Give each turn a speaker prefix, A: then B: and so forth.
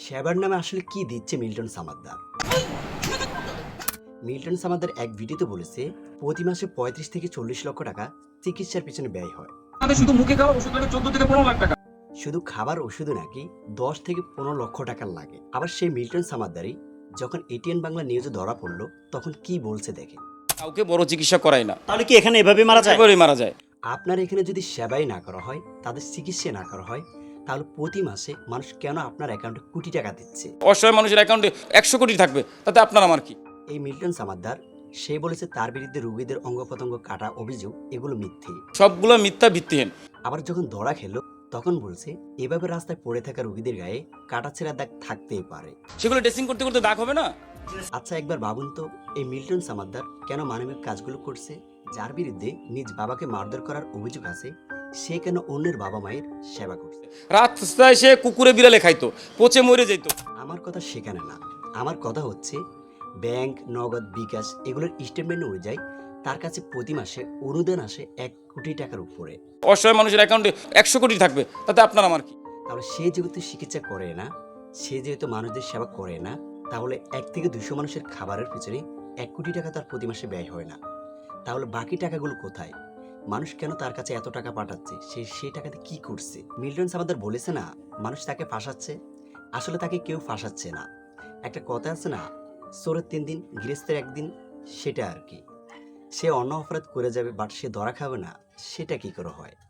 A: সেবার নামে আসলে কি দিচ্ছে মিল্টন সামাদ্দার? মিল্টন সামাদ্দার এক ভিডিওতে বলেছে প্রতি মাসে 35 থেকে 40 লক্ষ টাকা চিকিৎসার পিছনে ব্যয় হয়।
B: শুধু মুখে খাওয়া ওষুধ লাগে 14 থেকে 15 লাখ টাকা।
A: শুধু খাবার ওষুধে নাকি 10 থেকে 15 লক্ষ টাকা লাগে। আবার সেই মিল্টন সামাদ্দারই যখন এটিএন বাংলা নিউজে ধরা পড়লো তখন কি বলছে দেখেন।
B: কাউকে বড় চিকিৎসা করায় না,
C: তাহলে কি এখানে এভাবে মারা যায়?
B: একেবারেই মারা যায়।
A: আপনার এখানে যদি সেবাই না করা হয়, তাদের চিকিৎসা না করা হয়, তাহলে প্রতি মাসে মানুষ কেন আপনার অ্যাকাউন্টে কোটি টাকা দিচ্ছে?
B: অসহায় মানুষের অ্যাকাউন্টে 100 কোটি থাকবে, তাতে আপনার আমার কি?
A: এই মিল্টন সামাদ্দার সে বলেছে তার বিরুদ্ধে রোগীদের অঙ্গ প্রত্যঙ্গ কাটা অভিযোগ এগুলো মিথ্যে।
B: সবগুলো মিথ্যা ভিত্তিহীন।
A: আবার যখন ধরা খেলো তখন বলছে এভাবে রাস্তায় পড়ে থাকা রোগীদের গায়ে কাটা ছেঁড়া দাগ থাকতেই পারে।
B: সেগুলো ড্রেসিং করতে করতে দাগ হবে না?
A: আচ্ছা একবার ভাবুন তো, এই মিল্টন সামাদ্দার কেন মানবিক কাজগুলো করছে? যার বিরুদ্ধে নিজ বাবাকে মারধর করার অভিযোগ আছে, সে কেন অন্যের বাবা মায়ের সেবা করছে?
B: রাস্তায় সে কুকুরে বিড়ালে খাইতো, পচে মরে যেত।
A: আমার কথা সেখানে না, আমার কথা হচ্ছে ব্যাংক, নগদ, বিকাশ এগুলোর স্টেটমেন্ট অনুযায়ী তার কাছে প্রতি মাসে অনুদান আসে 1 কোটি টাকার উপরে।
B: অসহায় মানুষের অ্যাকাউন্টে 100 কোটি থাকবে, তাতে আপনার আমার কি?
A: তাহলে সে যেহেতু চিকিৎসা করে না, সে যেহেতু মানুষদের সেবা করে না, তাহলে 1 থেকে 200 মানুষের খাবারের পিছনে 1 কোটি টাকা তার প্রতি মাসে ব্যয় হয় না। তাহলে বাকি টাকাগুলো কোথায়? মানুষ কেন তার কাছে এত টাকা পাঠাচ্ছে? সে সেই টাকাতে কি করছে? মিল্টন সামাদ্দার বলেছে না মানুষ তাকে ফাঁসাচ্ছে। আসলে তাকে কেউ ফাঁসাচ্ছে না। একটা কথা আছে না, চোরের 3 দিন গৃহস্থের 1 দিন, সেটা আর কি। সে অন্য অপরাধ করে যাবে বাট সে ধরা খাবে না, সেটা কি করে হয়?